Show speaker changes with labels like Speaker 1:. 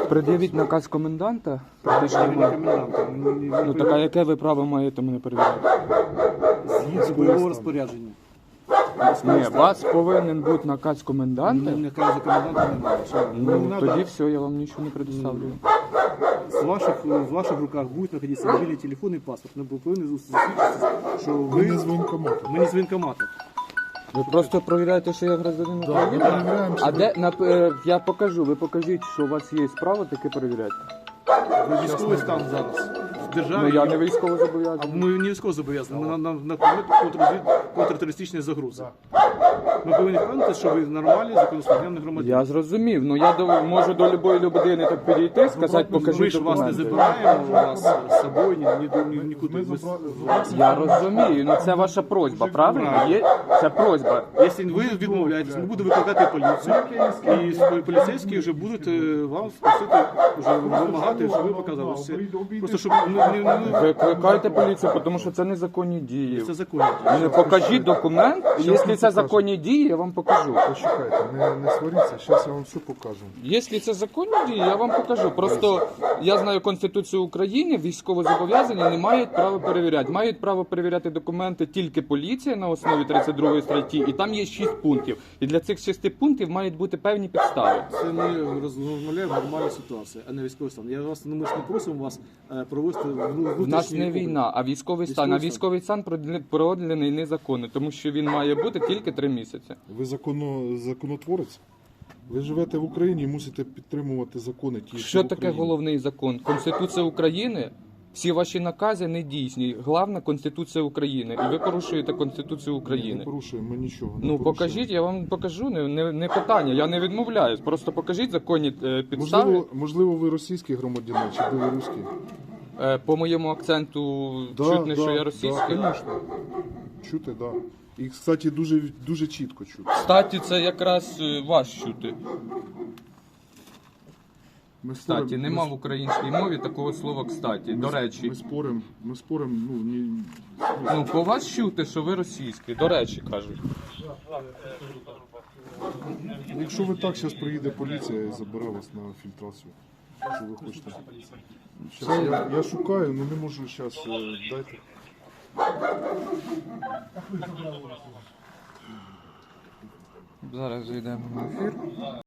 Speaker 1: Пред'явіть наказ коменданта. Ну так а яке ви право маєте мене перевіряти?
Speaker 2: Згідно бойового розпорядження.
Speaker 1: Ні, у вас повинен бути наказ коменданта.
Speaker 2: Наказу коменданта немає.
Speaker 1: Ну тоді все, я вам нічого не предоставлю.
Speaker 2: В ваших руках будуть знаходитися мобільний телефон і паспорт. Ви повинні засвідчитися, що ви
Speaker 3: не з воєнкомату.
Speaker 2: Ми не з воєнкомату.
Speaker 1: Ви просто перевіряєте, що я гражданин
Speaker 3: Ми
Speaker 1: України?
Speaker 3: перевіряємо,
Speaker 1: А де я покажу, ви покажіть, що у вас є справа, таке перевіряйте.
Speaker 2: Ви військовий стан зараз. В державі.
Speaker 1: Ну я не військово
Speaker 2: А
Speaker 1: зобов'язаний.
Speaker 2: ми не військово зобов'язані. Ми на предмет контртерористичної загрози. Ми повинні впевнити, що ви нормальний законослухняний громадянин.
Speaker 1: Я зрозумів, ну я можу до любої людини так підійти, сказати,
Speaker 2: Ми
Speaker 1: покажіть
Speaker 2: ж вас не
Speaker 1: документи.
Speaker 2: забираємо, вас з собою нікуди.
Speaker 1: Я розумію, ну це ваша просьба, правильно? Це просьба.
Speaker 2: Якщо ви відмовляєтесь, ми будемо викликати поліцію, і поліцейські вже будуть вам просити, вже вимагати, щоб ви показали все. Просто щоб
Speaker 1: Викликайте поліцію, тому що це незаконні дії.
Speaker 2: це законно.
Speaker 1: Не покажіть документ, якщо це законні дії, я вам покажу.
Speaker 3: Почекайте, не сваріться, зараз я вам все покажу.
Speaker 1: Якщо це законні дії, я вам покажу. Просто я знаю Конституцію України, військовозобов'язані не мають права перевіряти. Мають право перевіряти документи тільки поліція на основі 32 статті, і там є 6 пунктів. І для цих 6 пунктів мають бути певні підстави.
Speaker 2: Це ми розмовляємо нормальну ситуацію, а не військовий стан. Я вас ми ж не просимо вас провести
Speaker 1: В нас не війна, а військовий стан. А військовий стан продлений незаконно, тому що він має бути тільки 3 місяці.
Speaker 3: Ви законотворець? Ви живете в Україні і мусите підтримувати закони ті,
Speaker 1: Що
Speaker 3: в
Speaker 1: таке
Speaker 3: Україні.
Speaker 1: головний закон? Конституція України. Всі ваші накази не дійсні. Головна Конституція України. І ви порушуєте Конституцію
Speaker 3: Ми не
Speaker 1: України.
Speaker 3: порушуємо, ми нічого не
Speaker 1: Ну
Speaker 3: порушуємо.
Speaker 1: покажіть, я вам покажу, не питання, я не відмовляюсь. Просто покажіть законні підстави.
Speaker 3: Можливо, ви російський громадянин чи білоруський?
Speaker 1: По моєму акценту чутно, що я російський.
Speaker 3: Да, звісно. Чути, так. Да. І, кстати, дуже чітко чути.
Speaker 1: Кстати, це якраз вас чути.
Speaker 3: Ми
Speaker 1: Кстати, нема в українській мові такого слова «кстати». До речі.
Speaker 3: Ми споримо,
Speaker 1: Ну, по вас чути, що ви російський. До речі, кажуть.
Speaker 3: якщо ви так, зараз приїде поліція і забере вас на фільтрацію. Що ви хочете? Щас, я шукаю, але не можу зараз. Дайте.
Speaker 1: Зараз зайдемо на ефір.